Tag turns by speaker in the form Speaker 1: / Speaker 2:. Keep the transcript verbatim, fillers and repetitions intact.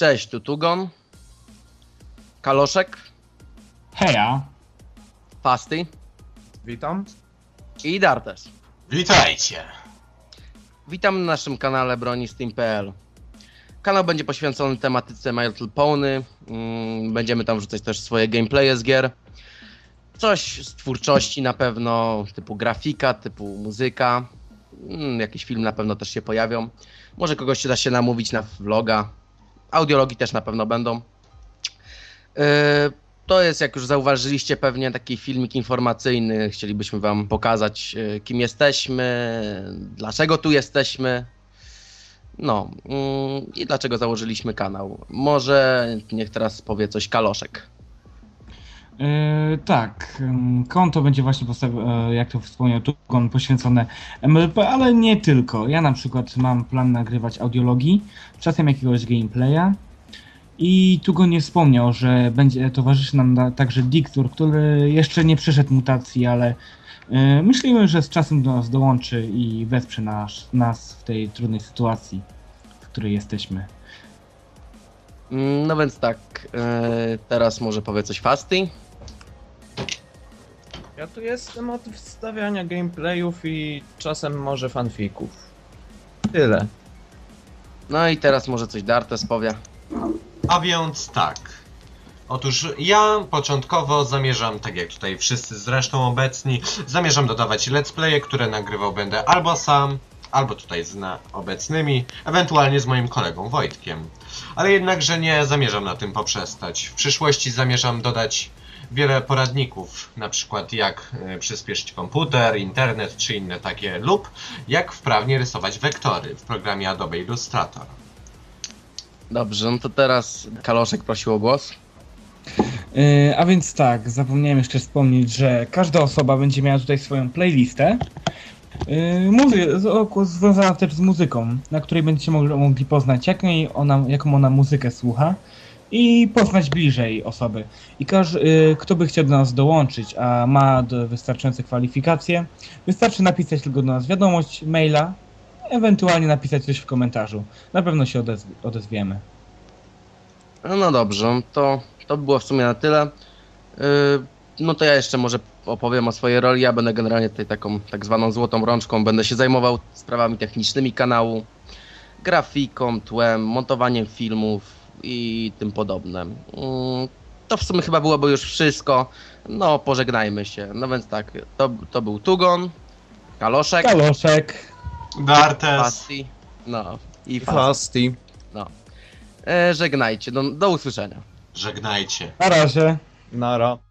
Speaker 1: Cześć, tu Tugon, Kaloszek,
Speaker 2: Heja!
Speaker 1: Fasty
Speaker 3: Witam.
Speaker 1: i Dartes.
Speaker 4: Witajcie!
Speaker 1: Witam na naszym kanale bronistim kropka p l. Kanał będzie poświęcony tematyce My Little Pony. Mm, Będziemy tam wrzucać też swoje gameplaye z gier. Coś z twórczości na pewno, typu grafika, typu muzyka. Mm, Jakiś film na pewno też się pojawią. Może kogoś się da się namówić na vloga. Audiologii też na pewno będą. Yy, To jest, jak już zauważyliście, pewnie taki filmik informacyjny. Chcielibyśmy wam pokazać, yy, kim jesteśmy, dlaczego tu jesteśmy. No yy, i dlaczego założyliśmy kanał. Może niech teraz powie coś Kaloszek.
Speaker 2: Yy, tak, ym, konto będzie właśnie postawione, jak to wspomniał Tugon, poświęcone M L P, ale nie tylko. Ja na przykład mam plan nagrywać audiologii, czasem jakiegoś gameplaya. I Tugon nie wspomniał, że będzie towarzyszy nam na, także Diktur, który jeszcze nie przeszedł mutacji, ale yy, myślimy, że z czasem do nas dołączy i wesprze nas, nas w tej trudnej sytuacji, w której jesteśmy.
Speaker 1: Yy, No więc tak, yy, teraz może powie coś Fasty.
Speaker 3: Ja tu jestem od wstawiania gameplayów i czasem może fanfików. Tyle.
Speaker 1: No i teraz może coś Dartes powie.
Speaker 4: A więc tak. Otóż ja początkowo zamierzam, tak jak tutaj wszyscy zresztą obecni, zamierzam dodawać let's playe, które nagrywał będę albo sam, albo tutaj z na obecnymi, ewentualnie z moim kolegą Wojtkiem. Ale jednakże nie zamierzam na tym poprzestać. W przyszłości zamierzam dodać wiele poradników, na przykład jak y, przyspieszyć komputer, internet czy inne takie, lub jak wprawnie rysować wektory w programie Adobe Illustrator.
Speaker 1: Dobrze, no to teraz Kaloszek prosił o głos.
Speaker 2: Yy, a więc tak, zapomniałem jeszcze wspomnieć, że każda osoba będzie miała tutaj swoją playlistę yy, muzy- z- o- związana też z muzyką, na której będziecie mogli, mogli poznać jak jej ona, jaką ona muzykę słucha i poznać bliżej osoby. I każdy, yy, kto by chciał do nas dołączyć, a ma do, wystarczające kwalifikacje, wystarczy napisać tylko do nas wiadomość, maila, ewentualnie napisać coś w komentarzu. Na pewno się odezw- odezwiemy.
Speaker 1: No, no dobrze, to, to by było w sumie na tyle. Yy, no to ja jeszcze może opowiem o swojej roli. Ja będę generalnie tutaj taką tak zwaną złotą rączką. Będę się zajmował sprawami technicznymi kanału, grafiką, tłem, montowaniem filmów i tym podobne. Yy, to w sumie chyba byłoby już wszystko. No pożegnajmy się. No więc tak, to, to był Tugon, Kaloszek,
Speaker 2: Kaloszek!
Speaker 4: Dartes!
Speaker 1: Fasty, no i Fasty.
Speaker 3: Fasty.
Speaker 1: No. E, żegnajcie, do, do usłyszenia.
Speaker 4: Żegnajcie.
Speaker 2: Na razie!
Speaker 3: Nara.